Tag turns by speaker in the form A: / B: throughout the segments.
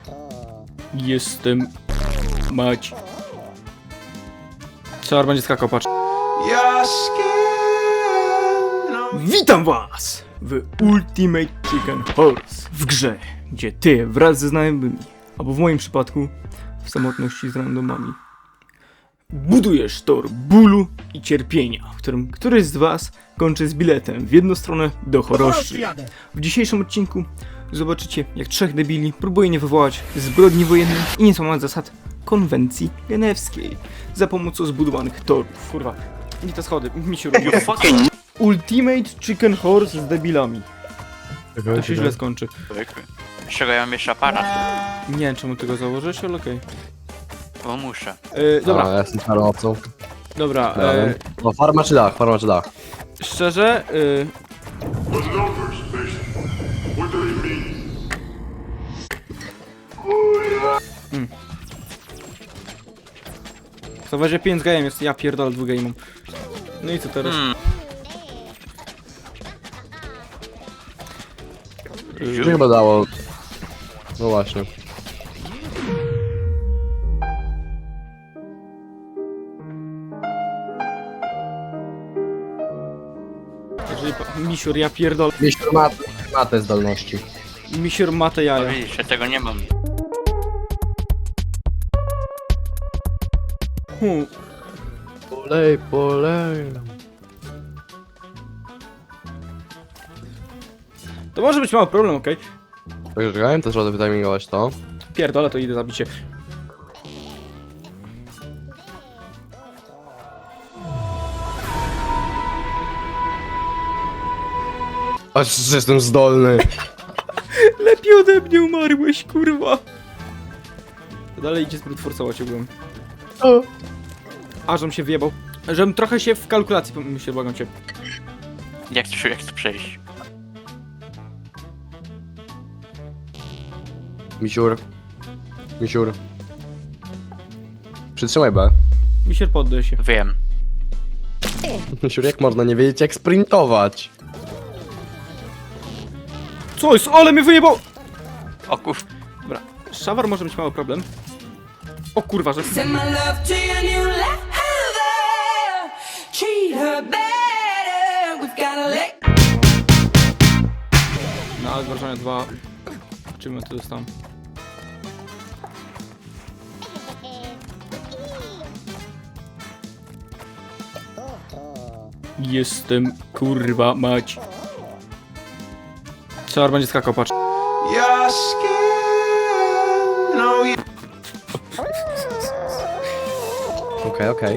A: Jestem... Mać. Czar będzie skakał, patrz. Witam was w Ultimate Chicken Horse. W grze, gdzie ty wraz ze znajomymi, albo w moim przypadku w samotności z randomami, budujesz tor bólu i cierpienia, w którym któryś z was kończy z biletem w jedną stronę do choroszczy. W dzisiejszym odcinku zobaczycie, jak trzech debili próbuje nie wywołać zbrodni wojennej i nie złamać zasad konwencji genewskiej za pomocą zbudowanych torów. Kurwa, nie te schody, mi się robi. Ultimate Chicken Horse z debilami. To się źle skończy.
B: Z czego ja mam jeszcze aparat?
A: Nie wiem, czemu ty go założysz, ale okej.
B: Bo muszę.
A: Dobra,
C: Ja jestem farmacą.
A: dobra.
C: No farma czy dach, farma czy dach.
A: Szczerze, to weźmie 5 game jest, ja pierdolę 2 game. No i co teraz?
C: Czy chyba dało? No właśnie.
A: Jeżeli misiur, ja pierdolę.
C: Misiur ma te zdolności.
A: Misiur ma te
B: No
A: jaja.
B: widzisz, ja tego nie mam.
C: Polej.
A: To może być mały problem, okej?
C: Także czekałem, też trzeba wytimingować to.
A: Pierdolę, to idę zabić się.
C: Aż że jestem zdolny.
A: Lepiej ode mnie umarłeś, kurwa. Dalej idzie zbyt forsować ogółem. A, żebym się wyjebał. Żebym trochę się w kalkulacji pomyślał, błagam cię.
B: Jak to przejść?
C: Misiur. Przytrzymaj B.
A: Misiur, poddaj się.
B: Wiem.
C: Misiur, jak można nie wiedzieć jak sprintować?
A: Co jest? Ale mnie wyjebał!
B: O kur...
A: Dobra, szawar może być mały problem. O kurwa, że...
D: Send my love to your new lover. Treat her better. We've gotta let
A: Na odważanie 2... Czym to dostałem? Jestem kurwa mać. Czar będzie skakał, patrz.
C: Okej.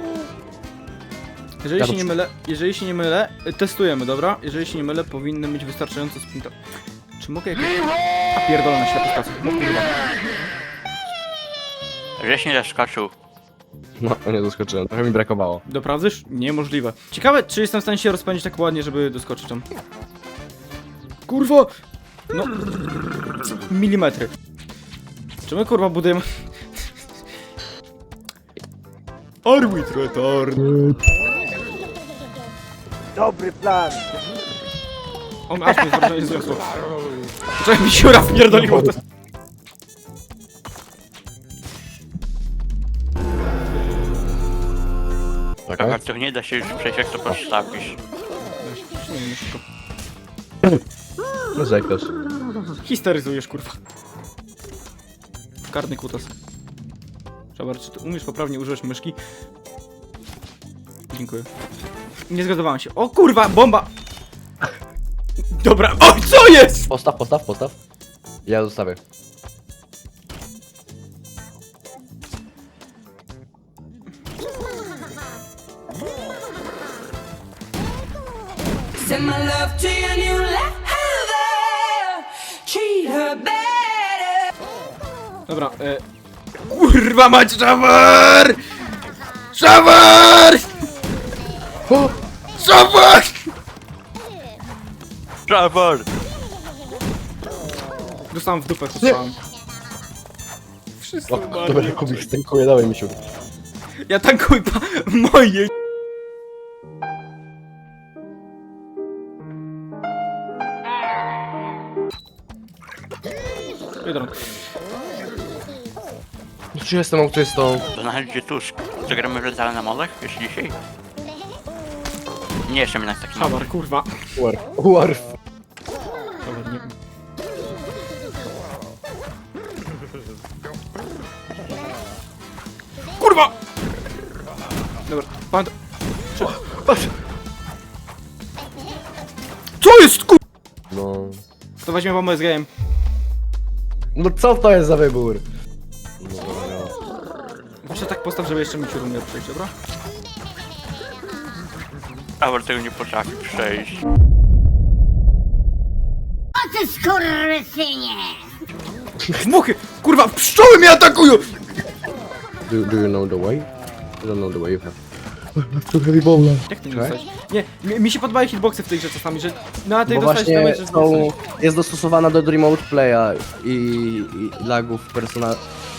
A: Jeżeli się nie mylę, testujemy, dobra? Jeżeli się nie mylę, powinny mieć wystarczająco sprinta. Czy mogę jakieś... A pierdolę na światło no kurwa.
B: Żeś nie zaskoczył.
C: No, nie doskoczyłem, trochę mi brakowało.
A: Doprawdysz? Niemożliwe. Ciekawe, czy jestem w stanie się rozpędzić tak ładnie, żeby doskoczyć tam. Kurwa! No... Milimetry. Czy my kurwa budujemy... Arbitretar.
E: Dobry plan!
A: On aż mnie zobaczenie zniosło. Czekaj, mi siura wpierdoliło to.
C: Czekaj.
B: A to nie da się już przejść, jak to postawisz.
A: Nie, szybko.
C: Narzekasz.
A: Histeryzujesz, kurwa. Karny kutas. Szabar, czy ty umiesz poprawnie używać myszki? Dziękuję. Nie zgadzowałem się. O kurwa, bomba! Dobra, o co jest?!
C: Postaw. Ja zostawię.
D: send my love to your new lover. Treat her better.
A: Dobra, kurwa mać, Szawar! Szawar! Szawar!
B: Trevor!
A: Dostałem w dupę, dostałem. Wszyscy
C: Dobra,
A: umarli.
C: Kubik, stękuję, dawaj misiur.
A: Ja tankuj moje. Biedron.
C: Czy jestem autystą?
B: To znajdzie tuż. Zagramy w letalne molech jeszcze dzisiaj? Nie, jeszcze jednak taki
A: Hawar, kurwa.
C: Warf.
A: Dobra, nie... Kurwa! Dobra, pan... Co jest ku...
C: No...
A: To weźmie bombę z gejem.
C: No co to jest za wybór?
A: Muszę tak postaw, żeby jeszcze mi się rumiał przejść, dobra?
B: Awar tego nie potrafi przejść.
E: O ty skurwysynie!
A: Muchy! Kurwa, pszczoły mnie atakują!
C: Do you know the way? I don't know the way you have. To heavy bowler.
A: Jak ty nie
C: Cześć.
A: dostałeś? Nie, mi się podobają hitboxy w tej grze czasami, że na tej
C: Bo
A: dostałeś
C: właśnie
A: damage, że
C: jest dostosowana do remote playa i lagów